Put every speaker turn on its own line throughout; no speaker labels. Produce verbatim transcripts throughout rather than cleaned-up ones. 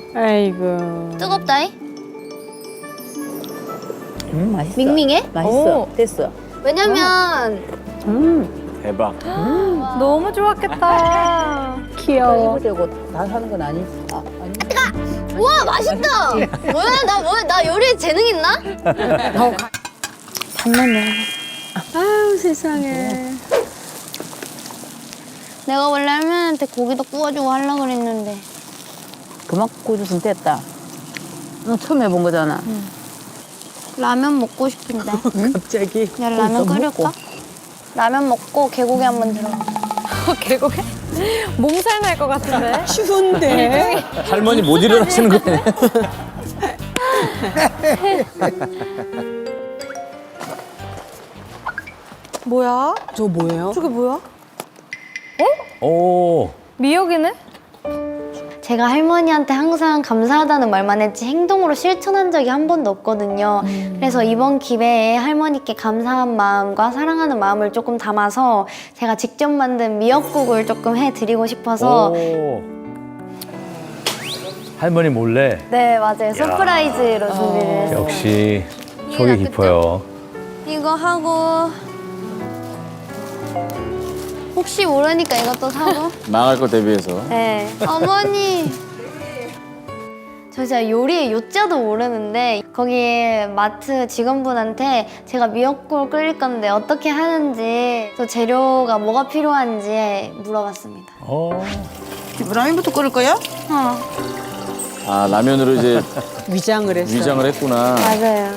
아이고.
뜨겁다이?
음, 맛있어.
밍밍해?
맛있어.
오.
됐어.
왜냐면
음.
대박.
너무 좋았겠다. 귀여워.
입으려고 다 하는 건 아니지. 아, 아니.
우와 맛있다. 뭐야 나 뭐야 나 요리에 재능 있나?
단면네. 아유 세상에.
내가 원래 할머니한테 고기도 구워주고 하려고 그랬는데.
그만 구워줬으면 됐다. 너 처음 해본 거잖아.
라면 먹고 싶은데.
갑자기.
야 라면 끓일까? 라면 먹고 개고기 한번 들어.
계곡에 몸살 날 것 같은데.
추운데.
할머니 못 일어나시는 거네.
뭐야?
저 뭐예요?
저게 뭐야?
오.
미역이네?
제가 할머니한테 항상 감사하다는 말만 했지 행동으로 실천한 적이 한 번도 없거든요. 그래서 이번 기회에 할머니께 감사한 마음과 사랑하는 마음을 조금 담아서 제가 직접 만든 미역국을 조금 해드리고 싶어서
오. 할머니 몰래.
네 맞아요 서프라이즈로 준비를 했어요.
역시
이해가
속이 깊어요.
이거 하고 혹시 모르니까 이것도 사고
망할 거 대비해서.
네 어머니 저 진짜 요리의 요자도 모르는데 거기 마트 직원분한테 제가 미역국을 끓일 건데 어떻게 하는지 또 재료가 뭐가 필요한지 물어봤습니다.
어.
라면부터 끓일 거야?
어
아 라면으로 이제
위장을 했어.
위장을 했구나.
맞아요.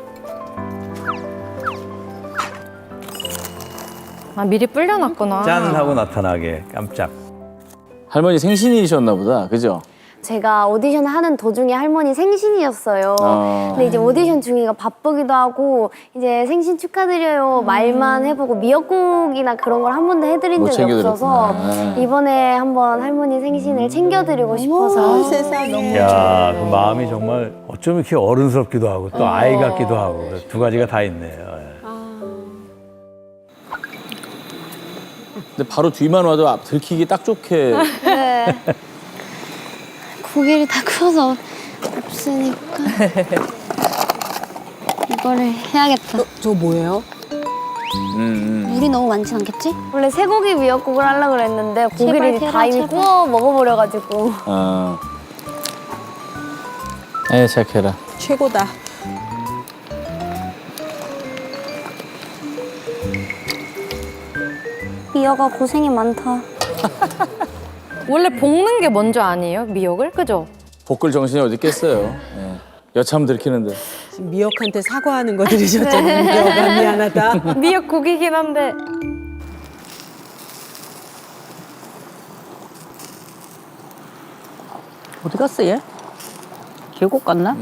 아 미리 불려놨구나.
짠 하고 나타나게 깜짝.
할머니 생신이셨나 보다. 그죠?
제가 오디션 하는 도중에 할머니 생신이었어요.
아.
근데 이제 오디션 중이가 바쁘기도 하고 이제 생신 축하드려요 말만 해보고 미역국이나 그런 걸 한 번도 해드린
못
적이 없어서
챙겨드렸구나.
이번에 한번 할머니 생신을 챙겨드리고 싶어서
세상에.
야, 그 마음이 정말 어쩜 이렇게 어른스럽기도 하고 또 아이 같기도 하고 두 가지가 다 있네요.
근데 바로 뒤만 와도 앞 들키기 딱 좋게.
네. 고기를 다 구워서 없으니까 이거를 해야겠다.
저 뭐예요?
음, 음.
물이 너무 많지 않겠지? 원래 쇠고기 미역국을 하려고 그랬는데 고기를 제발, 다 이미 제발. 구워 먹어버려가지고
아. 에 착해라.
최고다.
미역아 고생이 많다.
원래 볶는 게 먼저 아니에요? 미역을? 그죠?
볶을 정신이 어디 있겠어요. 예. 여참 들키는데.
지금 미역한테 사과하는 거 들으셨잖아요. 미역아 미안하다.
미역국이긴 한데.
어디 갔어, 얘? 계곡 갔나?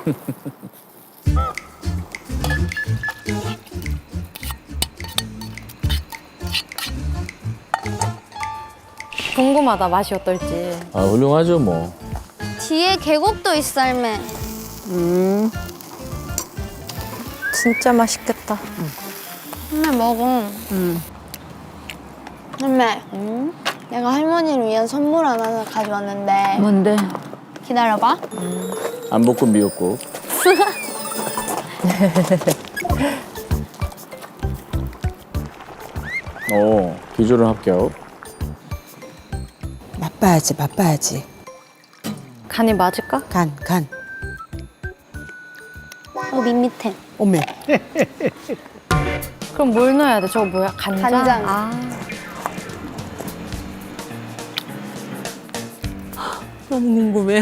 궁금하다 맛이 어떨지.
아 훌륭하죠 뭐.
뒤에 계곡도 있어 할매.
음.
진짜 맛있겠다.
할매 먹어.
음.
할매. 내가 할머니를 위한 선물 하나 가져왔는데
뭔데?
기다려봐.
안 볶은 미역국. 오 비주얼 합격.
맛봐야지, 맛봐야지.
간이 맞을까?
간, 간.
어 밋밋해.
오메.
그럼 뭘 넣어야 돼? 저거 뭐야? 간장?
간장.
아.
너무 궁금해요.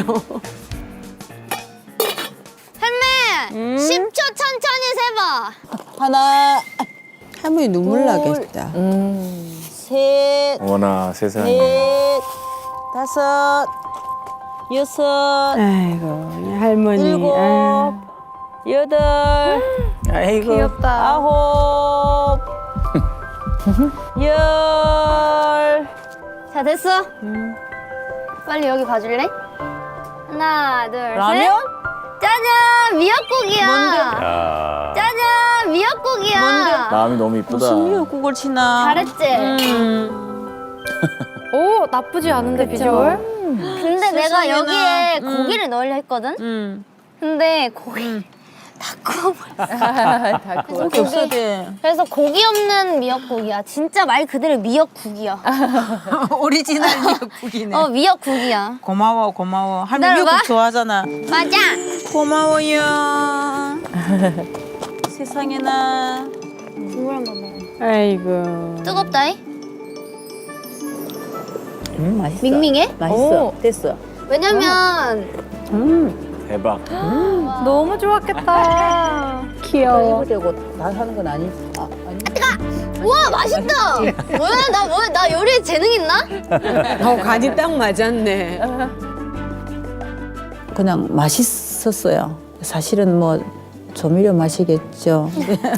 할매. 십 초 천천히 세봐.
하나. 할머니 눈물 나겠다. 셋,
어머나 세상에.
넷, 다섯, 여섯,
아이고 할머니.
일곱,
아.
여덟,
아이고.
귀엽다.
아홉, 열.
자 됐어. 빨리 여기 봐줄래? 하나 둘
라면?
셋. 짜잔 미역국이야.
야.
짜잔 미역국이야.
마음이 너무 이쁘다.
무슨 미역국을 치나.
잘했지?
음.
오 나쁘지 않은데 비주얼?
음. 근데 내가 여기에 고기를 넣으려 했거든?
음.
근데 고기 다 구워버렸어.
다
그래서
고기
고기,
없어도
그래서 고기 없는 미역국이야. 진짜 말 그대로 미역국이야.
오리지널 미역국이네.
어, 미역국이야.
고마워 고마워. 할머니
기다려봐.
미역국 좋아하잖아.
맞아.
고마워요. 세상에나.
국물 한번 먹어.
아이고.
뜨겁다이?
음, 맛있어.
밍밍해?
맛있어.
오.
됐어.
왜냐면
음.
대박.
너무 좋았겠다. 귀여워.
되고 다 사는 건 아니. 아, 아니.
우와 맛있다. 뭐야 나 뭐야 나 요리에 재능 있나?
어 간이 딱 맞았네.
그냥 맛있었어요. 사실은 뭐 조미료 맛이겠죠.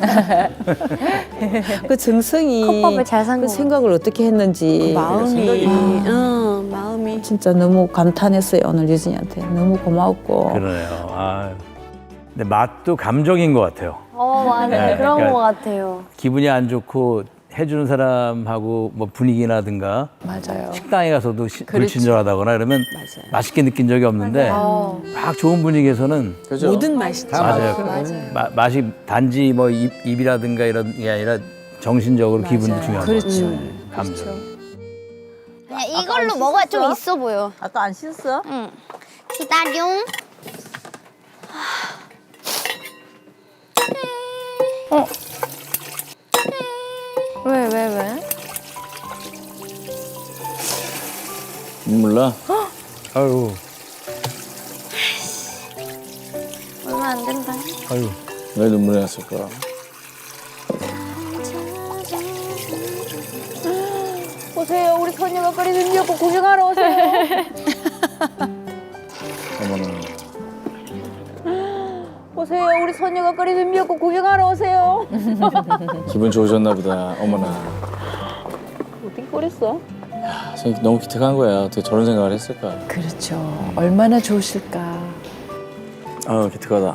그 정성이
컵밥을 잘 산
그
거.
생각을 어떻게 했는지
마음이, 어, 마음이.
진짜 너무 감탄했어요. 오늘 유진이한테 너무 고마웠고.
그러네요. 아, 근데 맛도 감정인 것 같아요.
어 맞아
네,
그런
그러니까-
거 같아요.
기분이 안 좋고 해주는 사람하고 뭐 분위기라든가
맞아요.
식당에 가서도 시- 불친절하다거나 이러면 맛있게 느낀 적이 없는데
어.
막 좋은 분위기에서는
그죠?
모든 맛이 다
맞아요. 마- 맛이 단지 뭐 입, 입이라든가 이런 게 아니라 정신적으로 기분도 중요한 거
그렇죠.
같아요. 감정.
그냥 이걸로 먹어야 좀 있어 보여.
아까 안 씻었어?
응. 기다려.
왜, 왜, 왜?
눈물 나?
아유,
얼마 안 된다.
아유.
왜 눈물이 났을까?
오세요. 우리 선녀가 끓이는 미역국 구경하러 오세요.
어머나.
오세요. 우리 선녀가 끓이는 미역국 구경하러 오세요.
기분 좋으셨나 보다. 어머나.
어떻게 끓였어?
아, 생각 너무 기특한 거야. 어떻게 저런 생각을 했을까?
그렇죠. 얼마나 좋으실까.
아, 기특하다.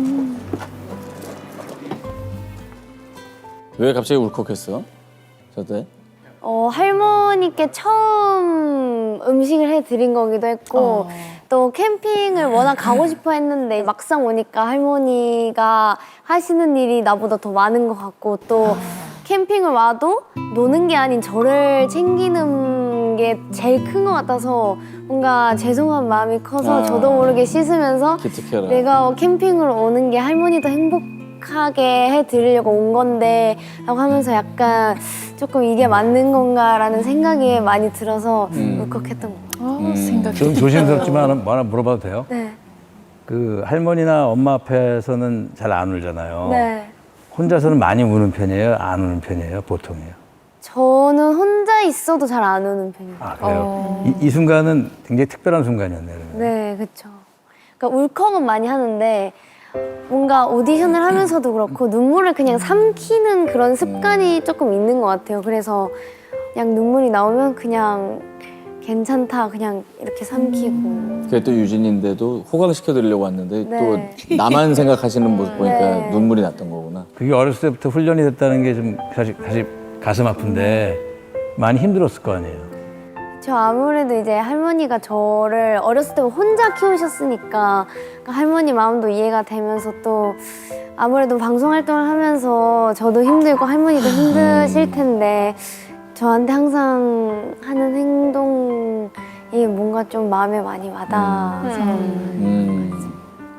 왜 갑자기 울컥했어? 저때?
어 할머니께 처음 음식을 해드린 거기도 했고 또 캠핑을 워낙 가고 싶어 했는데 막상 오니까 할머니가 하시는 일이 나보다 더 많은 것 같고 또 캠핑을 와도 노는 게 아닌 저를 챙기는 게 제일 큰 것 같아서 뭔가 죄송한 마음이 커서
아.
저도 모르게 씻으면서
기특해라.
내가 캠핑을 오는 게 할머니도 행복하게 해드리려고 온 건데 라고 하면서 약간 조금 이게 맞는 건가라는 생각이 많이 들어서
음.
울컥했던 것 같아요.
어,
음.
생각.
좀 조심스럽지만 뭐 하나 물어봐도 돼요?
네.
그 할머니나 엄마 앞에서는 잘 안 울잖아요.
네.
혼자서는 많이 우는 편이에요? 안 우는 편이에요? 보통이에요?
저는 혼자 있어도 잘 안 우는 편이에요.
아, 그래요?
어.
이, 이 순간은 굉장히 특별한 순간이었네요. 그러면.
네, 그렇죠. 그러니까 울컥은 많이 하는데 뭔가 오디션을 하면서도 그렇고 눈물을 그냥 삼키는 그런 습관이 조금 있는 것 같아요. 그래서 그냥 눈물이 나오면 그냥 괜찮다 그냥 이렇게 삼키고.
그게 또 유진인데도 호강시켜드리려고 왔는데
네.
또 나만 생각하시는 모습 보니까
네.
눈물이 났던 거구나.
그게 어렸을 때부터 훈련이 됐다는 게 좀 사실, 사실 가슴 아픈데 많이 힘들었을 거 아니에요.
저 아무래도 이제 할머니가 저를 어렸을 때 혼자 키우셨으니까 그러니까 할머니 마음도 이해가 되면서 또 아무래도 방송 활동을 하면서 저도 힘들고 할머니도 힘드실 텐데 저한테 항상 하는 행동이 뭔가 좀 마음에 많이 와닿아서
음.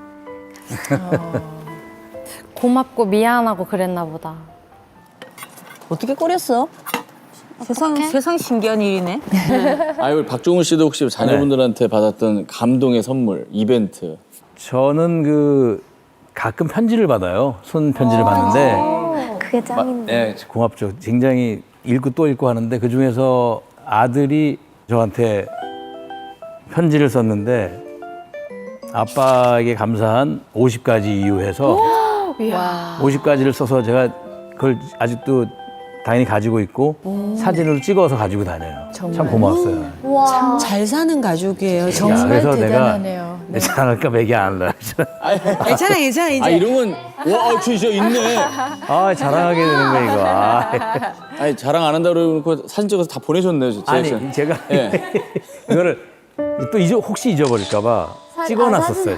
고맙고 미안하고 그랬나 보다.
어떻게 끓였어? 세상 세상 신기한 일이네.
아니 우리 박종훈 씨도 혹시 자녀분들한테 받았던 감동의 선물 이벤트?
저는 그 가끔 편지를 받아요. 손 편지를 받는데
그게 짱인데.
네, 고맙죠. 굉장히 읽고 또 읽고 하는데 그 중에서 아들이 저한테 편지를 썼는데 아빠에게 감사한 오십 가지 이유 해서
이야.
오십 가지를 써서 제가 그걸 아직도 당연히 가지고 있고 사진으로 찍어서 가지고 다녀요. 참 고마웠어요.
와.
잘 사는 가족이에요.
야,
정말
그래서
대단하네요.
내가 내 자랑할까 봐 얘기 안 하려.
괜찮아 괜찮아 이제.
아 이런 건 와 진짜 있네.
아 자랑하게 되는 거 이거. 아.
아니 자랑 안 한다고 그러고 사진 찍어서 다 보내셨네요. 진짜.
아니 제가
예.
이거를 또 잊어, 혹시 잊어버릴까봐 찍어놨었어요,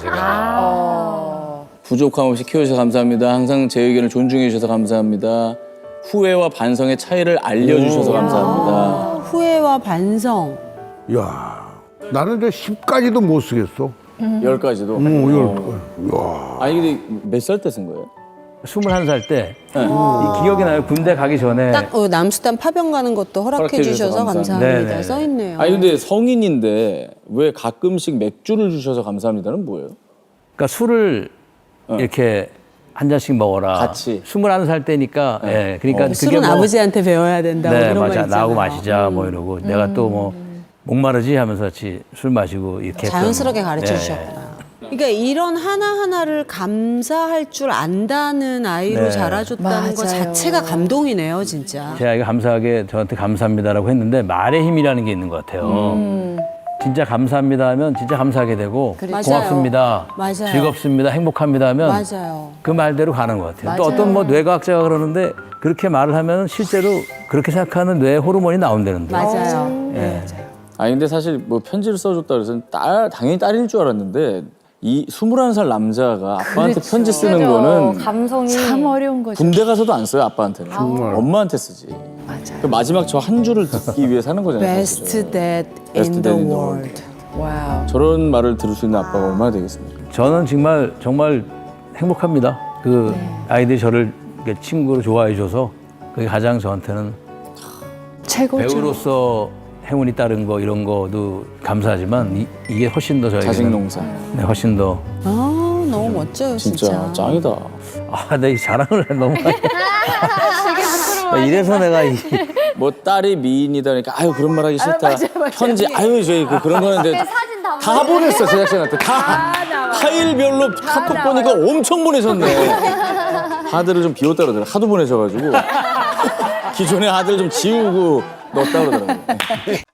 제가.
부족함 없이 키워주셔서 감사합니다. 항상 제 의견을 존중해 주셔서 감사합니다. 후회와 반성의 차이를 알려주셔서 감사합니다.
후회와 반성.
야, 나는 저 십까지도 못 쓰겠어.
열 가지도.
오, 열. 야.
아니 근데 몇 살 때 쓴 거예요?
스물한 살 때
네.
이 기억이 나요. 군대 가기 전에
딱 어, 남수단 파병 가는 것도 허락해
허락해 주셔서
주셔서
감사합니다.
감사합니다.
네네.
써 있네요.
아니 근데 성인인데 왜 가끔씩 맥주를 주셔서 감사합니다는 뭐예요?
그러니까 술을
어.
이렇게 한 잔씩 먹어라.
같이.
스물한 살 때니까 예. 그러니까 그게
술은
뭐
아버지한테 배워야 된다고
네,
그런
맞아.
거 있잖아요.
나하고 마시자 뭐 이러고 내가 또 뭐 목마르지 하면서 같이 술 마시고 이렇게
자연스럽게
했던,
가르쳐
네.
주셨구나. 그러니까 이런 하나하나를 감사할 줄 안다는 아이로
네.
자라줬다는 것 자체가 감동이네요, 진짜.
제 아이가 감사하게 저한테 감사합니다라고 했는데 말의 힘이라는 게 있는 것 같아요. 진짜 감사합니다 하면 진짜 감사하게 되고
맞아요.
고맙습니다,
맞아요.
즐겁습니다, 행복합니다 하면
맞아요.
그 말대로 가는 것 같아요. 또 어떤 뭐 뇌과학자가 그러는데 그렇게 말을 하면 실제로 그렇게 생각하는 뇌 호르몬이 나온다는데.
맞아요.
예.
아니 근데 사실 뭐 편지를 써줬다 그래서 딸 당연히 딸일 줄 알았는데 이 스물한 살 남자가 아빠한테 편지 쓰는
그죠.
거는
감성이
참 어려운 거죠.
군대 가서도 안 써요 아빠한테는. 엄마한테 쓰지. 그 마지막 저 한 줄을 듣기 위해 사는 거잖아요.
Best
사실은.
dad
Best
in
dad
the
in the
world. 와우.
저런 말을 들을 수 있는 아빠가 얼마나 되겠습니까?
저는 정말 정말 행복합니다. 그 아이들이 저를 이렇게 친구로 좋아해 줘서 그게 가장 저한테는
최고죠.
배우로서 행운이 따른 거 이런 거도 감사하지만 이, 이게 훨씬 더 저에게는
자식 농사.
네, 훨씬 더
아, 너무 멋져요,
진짜,
진짜.
짱이다.
아, 내 이 자랑을 너무 많이. 아, 이래서 내가 이
뭐 딸이 미인이다 그러니까 아유 그런 말 하기 싫다. 편지 아유 저희 그 그런 거는데
사진 다
다 보냈어 제작진한테 다 파일별로 카톡 보니까 엄청 보내셨네. 하드를 좀 비웠다 그러더라. 하도 보내셔가지고 기존의 하드를 좀 지우고 넣었다 그러더라고요.